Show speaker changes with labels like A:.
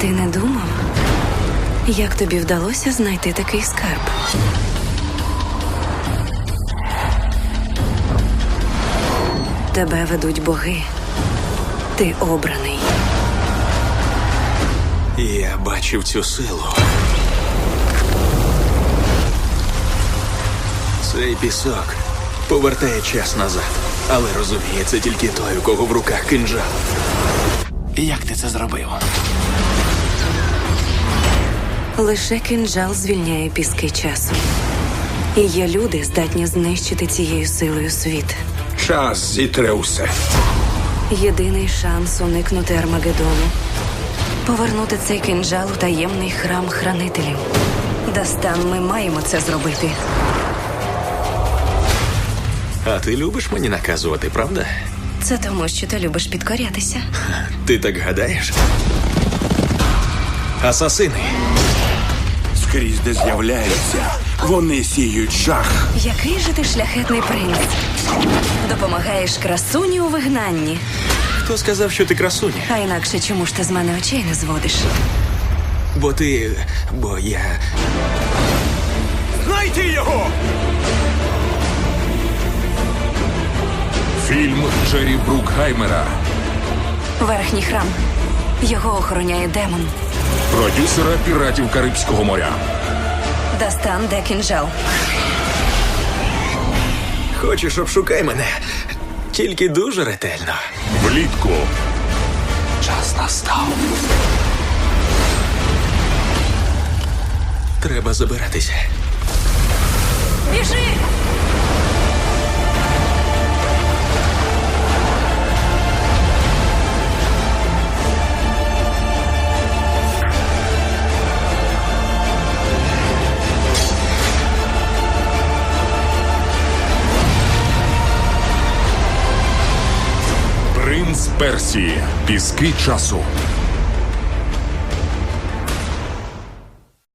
A: ти не думав, як тобі вдалося знайти такий скарб? Тебе ведуть боги. Ти обраний.
B: Я бачив цю силу. Цей пісок повертає час назад. Але розуміє, це тільки той, у кого в руках кинджал. Як ти це зробив?
A: Лише кинджал звільняє піски часу. І є люди, здатні знищити цією силою світ.
C: Час зітре усе.
A: Єдиний шанс уникнути Армагеддону – повернути цей кинджал у таємний храм хранителів. Дастан, ми маємо це зробити.
B: А ти любиш мені наказувати, правда?
A: Це тому, що ти любиш підкорятися.
B: Ти так гадаєш? Асасини.
C: Скрізь, де з'являються, вони сіють жах.
A: Який же ти шляхетний принц? Допомагаєш красуні у вигнанні.
B: Хто сказав, що ти красуня?
A: А інакше чому ж ти з мене очей не зводиш?
B: Бо я...
C: Знайти його!
D: Фільм Джері Брукхаймера.
A: Верхній храм. Його охороняє демон.
D: Продюсера «Піратів Карибського моря».
A: Дастан, де кинджал?
B: Хочеш, обшукай мене? Тільки дуже ретельно.
D: Влітку.
B: Час настав. Треба забиратися.
A: Біжи!
D: Принц Персії. Піски часу.